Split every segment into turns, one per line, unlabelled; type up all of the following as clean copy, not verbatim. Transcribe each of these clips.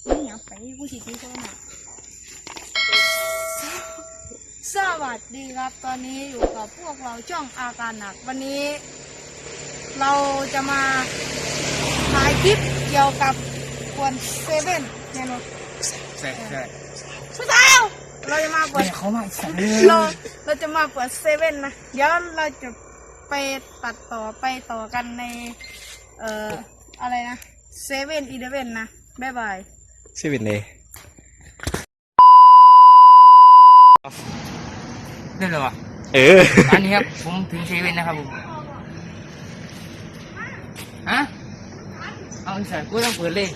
ไม่อยากไปกูสิที่โซนอ่ะสวัสดีครับตอนนี้อยู่กับพวกเราช่องอาการหนักวันนี้ เราจะมาถ่ายคลิปเกี่ยวกับควนเซเว่นแน่นอน
ใช่
สุดท้ายเราจะมาเปิด
เขามาสั่ง
เราจะมาเปิดเซเว่นนะเดี๋ยวเราจะไปตัดต่อไปต่อกันในอะไรนะ7-11นะบ๊ายบาย
7เลย
นี่เลยวะอันนี้ครับผมถึง7นะครับผมฮะเอาใส่กูต้องเปิดเลย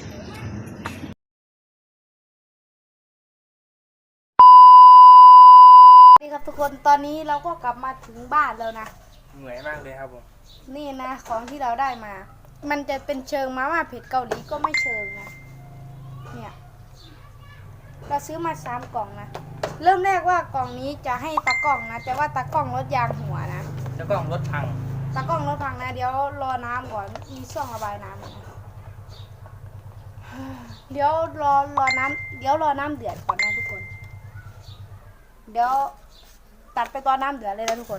นี่ครับทุกคนตอนนี้เราก็กลับมาถึงบ้านแล้วนะ
เหนื่อยมากเลยครับผม
นี่นะของที่เราได้มามันจะเป็นเชิงมาม่าเผ็ดเกาหลีก็ไม่เชิงนะเนี่ยเราซื้อมา3 กล่องนะเริ่มแรกว่ากล่องนี้จะให้ตากล้องนะแต่ว่าตากล้องรถยางหัวนะ
แล้วก็รถพัง
ตากล้องรถพังนะเดี๋ยวรอน้ำก่อนมีช่องระบายน้ำนะเดี๋ยวรอน้ำเดือดก่อนนะทุกคนเดี๋ยวตัดไปตอนน้ำเดือดเลยนะทุกคน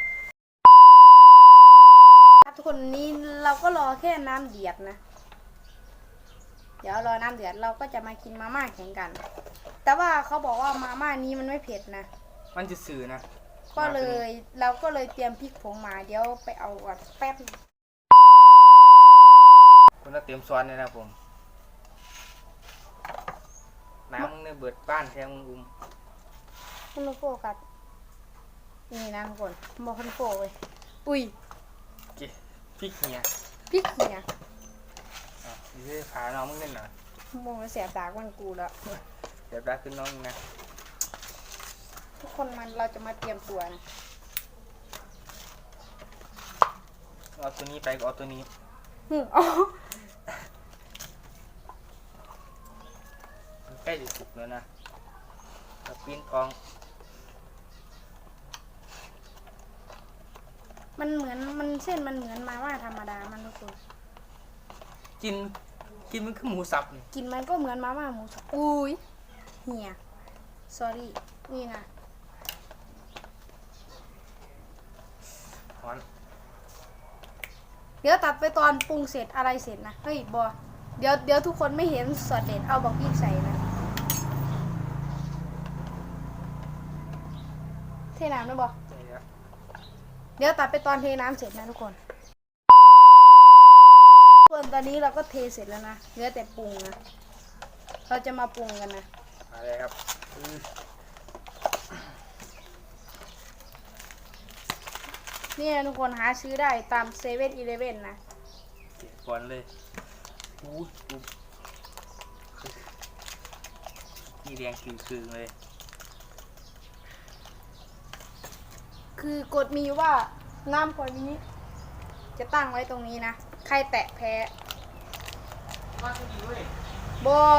ครับทุกคนนี้เราก็รอแค่น้ำเดือดนะเดี๋ยวรอน้ำเดือดเราก็จะมากินมาม่าแข่งกันแต่ว่าเขาบอกว่ามาม่านี้มันไม่เผ็ดนะ
มันจะสื่อนะ
ก็เลยเราก็เลยเตรียมพริกผงมาเดี๋ยวไปเอาก่อนแป๊บ
คุณต้องเตรียมซ้อนเลยนะผมน้ำมึงเนี่ยเบิดบ้านแทงมึง
คุณโฟกัสนี่นะทุกคนบอกคุณโฟเลยอุ้ย
พริกเนี่ยนี่ขาน้องมึงเล่นหน่อย
มองแล้วเสียบตาวันกูแล้ว
เดี๋ยวได้ขึ้นน้องนะ
ทุกคนเราจะมาเตรียมตัวนะ
เอาตัวนี้ไปเอาตัวนี้
อ๋อ
ใกล้จะสุกแล้วนะปีนทอง
มันเหมือนเส้นมันเหมือนมาม่าธรรมดามันทุกคน
กินมันคือหมูสับ
กินมันก็เหมือนมาม่าหมูสับอุ้ยเหี่ย sorry นี่นะเดี๋ยวตัดไปตอนปรุงเสร็จอะไรเสร็จนะเฮ้ยบอเดี๋ยวทุกคนไม่เห็นสอดเด็ดเอาบอกพี่ใส่นะเทน้ำนะบอเดี๋ยวตัดไปตอนเทน้ำเสร็จนะทุกคนส่วนตอนนี้เราก็เทเสร็จแล้วนะเหลือแต่ปรุงนะเราจะมาปรุงกันนะ
อะไรครับ
นี่ทุกคนหาซื้อได้ตาม7-11นะ
ก่อนเลยนี่แดงคือเลย
คือกฎมีว่าน้ำขวดนี้จะตั้งไว้ตรงนี้นะใครแตะแพ้บอ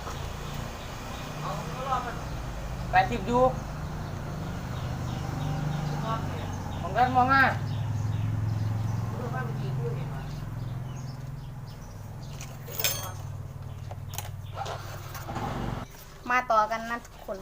ไปทิพดูของกันมองอ่ะ
มาต่อกันนะทุกคน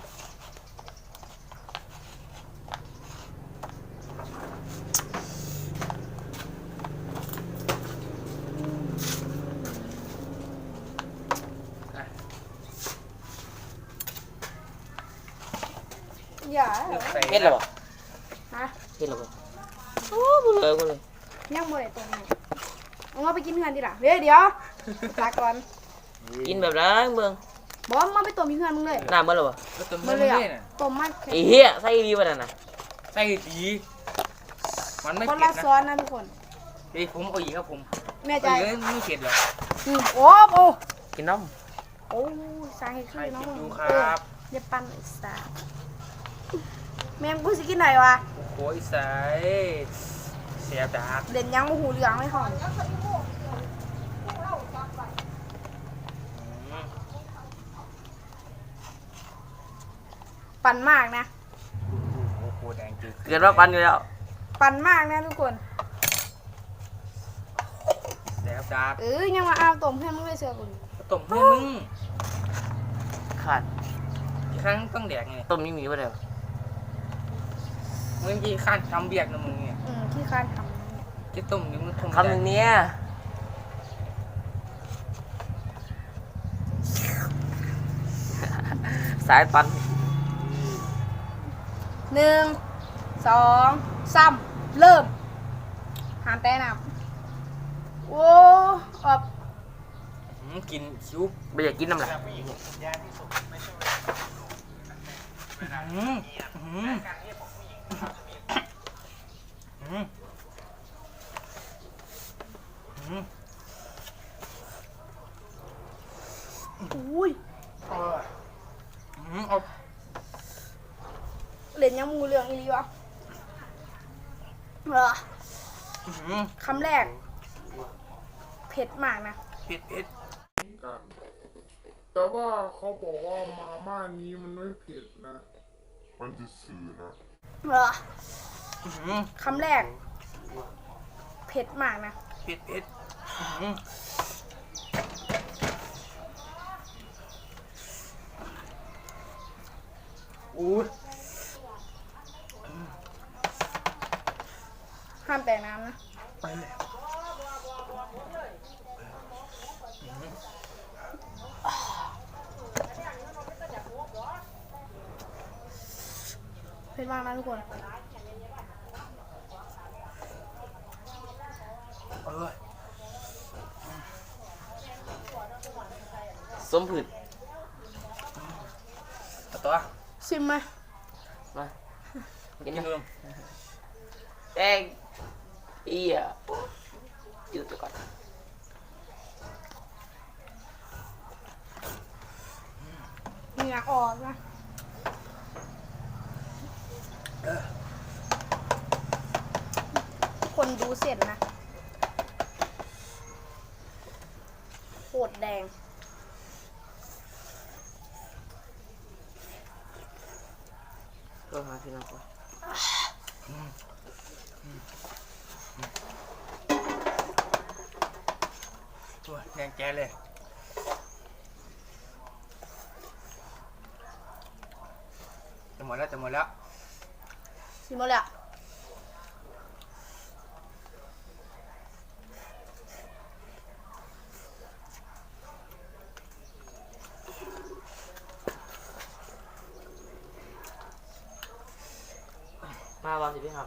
อย่า
เฮ็ดหรอ
ฮะ
เฮ็ดหรอโอ้บุญเลย
ยังบ่ได้ตรงนี้เอาไปกินเฮือนดิล่ะเดี๋ยวลาก่อน
กินแบบนั้นเบิ่ง
บอกมาไปต้มเฮือนมึงเลย
น้ำเบิ่งหรอ
ต้มเลยต้มมัน
ไอ้เหี้ยใส่ดีป่ะนั่นน่ะใส่ดีมันไม่
เผ็ดนะคนละซ้อนนะทุกคน
เฮ้ยผมเอาอีกครับผม
แม่ใจ
ไม่เผ็ดหรอ
โอ้โห
กินน้ำ
โอ้สาเหตุคือน้อง
ดูครับ
อย่าปั่นไอ้สาแม่กูสิกินไหนวะ
โอ้ยใส่เสียดา
เด่นยังมาหูเหลืองไม่หอมปั่นมากนะ
โอ้โหแดงจืดเกิดว่าปั่นอยู่แล้ว
ปั่นมากนะทุกคน
แล้วจ้า
ยังมาเอาต้มเพื่อนมึงเลยเสือกู
ต้มเพื่อนมึงขาด
กี่ครั้งต้องแดกไง
ต้มนี่มีป่ะเดี๋ยว
มึงกี่ครั้งทำเบียกนะมึงเนี่ย
ที่คาดทำเนี่ย
จะต้มหรือมึงต้ม
คำหนึ่งเนี้ยสายปัน
1 2 3เริ่มหามแต่น้ำโอ้ออก
กินคิ้ว
ไม่อยากกินน้ำลาย
อืมอืมอืมอืม
อุ้ย
อืมเอา
เหรียญยังมูเรืองอีหลีวะคำแรก เผ็ดมากนะ
เผ็ดเผ็ด
กันแต่ว่าเขาบอกว่ามาม่านี้มันไม่เผ็ดนะ มันจะสื่อนะ
คำแรก เผ็ดมากนะ
เผ็ดเผ็ดอู้
ห้ามแต่น้ำนะ
ไปเลย
เผ็ดมากนะทุกคน
เออ
สมผืด
เอาตัว
ชิมไหม
มากิ
กิ
น
น
นะ
เริ่ม
แดงอีอ่ะยืดไปก่อน
เหงื่อออกนะ คนดูเสร็จนะโคตรแดง
ก็หาพี่น้องก่อน
ตัวแดงแก่เลยจะหมดแล้วจะหมดแล้ว
ชิมหมดแล้ว
มาบอลสิพี่ครับ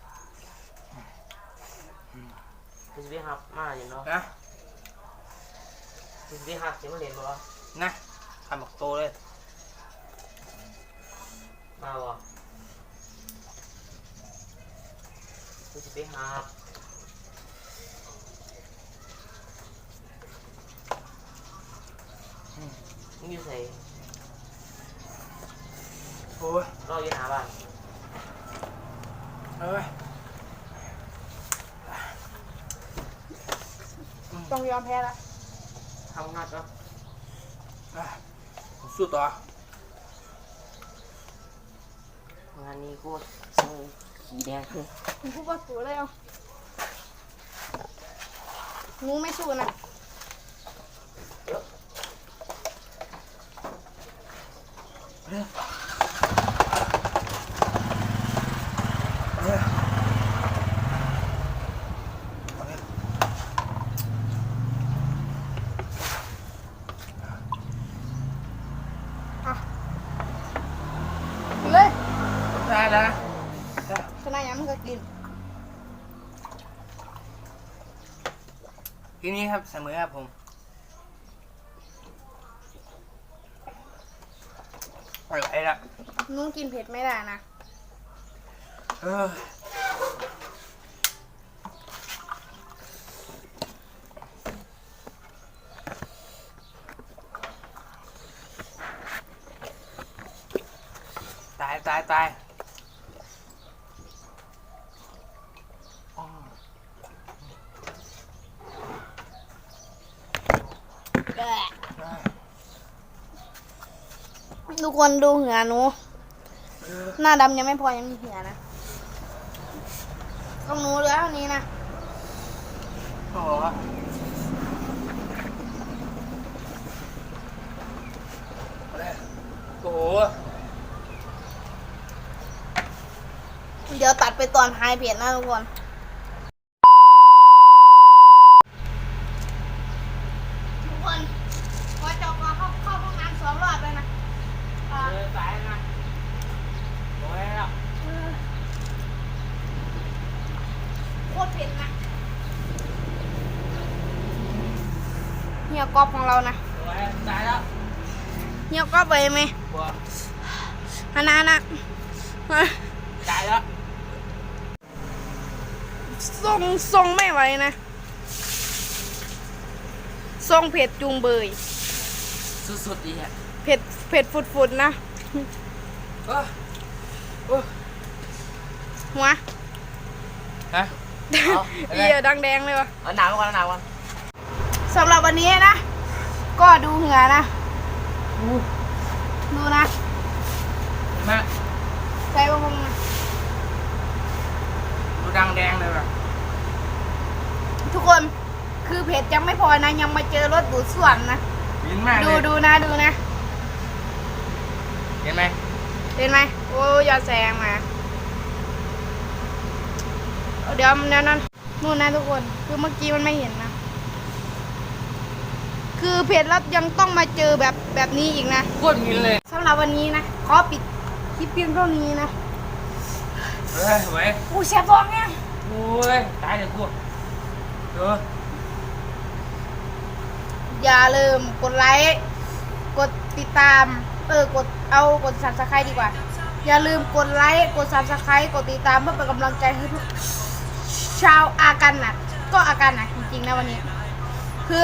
สิพี่ครับมาอยู่เนาะ
นะ
สิพี่ครับสิมาเรียนบ่
นะทำหมกโตเลย
มาบ่สิพี่ครับมึงอยู่ไหน
โอ้ย
รออยู่หน้าบ้าน
เอ้ย
ต้องยอมแพ้ละ
ทำงานก็
ผมสู้ต่อง
านนี้กูช่างขี้แดงขึ้น
คุณพูดว่าสูเลยเอางูไม่สู้นะ อ่ะกินเลย
ได้แล้วนะ
ชนะยังมันก็กิน
ทีนี้ครับเสมอครับผมอร่อยละ
นุ่งกินเผ็ดไม่ได้นะ
เออตายตายตายอ๋อ
ทุกคนดูเหงื่อหนู หน้าดำยังไม่พอยังมีเหงื่อนะต้องหนูเหลือเท่านี้นะ
โอ้โห เอาเลย
เดี๋ยวตัดไปตอนท้ายเพจนะทุกคนพอจบมาเข้าห้องน้ำ2 รอบแล้วนะ
สายนะโอ้ยแล้ว
โคตรเผ็ดนะเฮียก๊อฟของเรานะ
โอ้ยสายแล้ว
เฮียก๊อฟไปไหม
บัว
ฮานานะ
สายแล้ว
ทรงไม่ไหวนะทรงเผ็ดจุงเบย
สุดๆดีฮะ
เผ็ดฟุดๆนะ
เออ
หัว
ฮะ
เอียดังแดงเลยวะ
เอาหนาวก่อนเอาหนาวก่อน
สำหรับวันนี้นะ ก็ดูเหงื่อนะดูนะ
มา
ใส่บะพงนะ
ดูดังแดงเลยว่ะ
ทุกคนคือเผ็ดยังไม่พอนะยังมาเจอรถดูดซ่วมนะ
ยินมากเลย
ดูนะดูนะ
เห็นไหม
เห็นไหมโอ้ยอย่าแซงมาเดี๋ยวนั้นนู่นนะทุกคนคือเมื่อกี้มันไม่เห็นนะคือเผ็ดแล้วยังต้องมาเจอแบบนี้อีกนะ
โคตรมินเลย
สำหรับวันนี้นะขอปิดคลิปเพียงเท่านี้นะ
เฮ้ยไว้
กูเสียท้องเนี่ย
โอ้ยตายเดี๋ยวกูเดี๋ยว
อย่าลืมกดไลค์กดติดตามกด Subscribe ดีกว่า อย่าลืมกดไลค์กด Subscribe กดติดตามเพื่อเป็นกำลังใจให้ทุกชาวอากันน่ะก็อากันน่ะจริงๆนะวันนี้คือ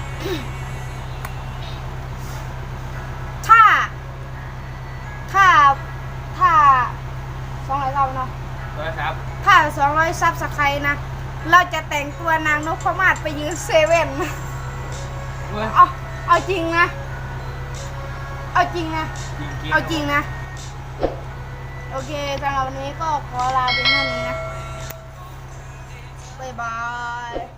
ถ้า200 ซับเนาะ
เฮ้ยครับ
ถ้า200 ซับสไครต์นะเราจะแต่งตัวนางนพมาศไปยืนเซเว่น
เฮ้ย
เอาจริงนะ เอาจริงนะ
จริงๆ
เอาจริงนะ โอเคสำหรับวันนี้ก็ขอลาเพียงเท่านี้นะ บ๊ายบาย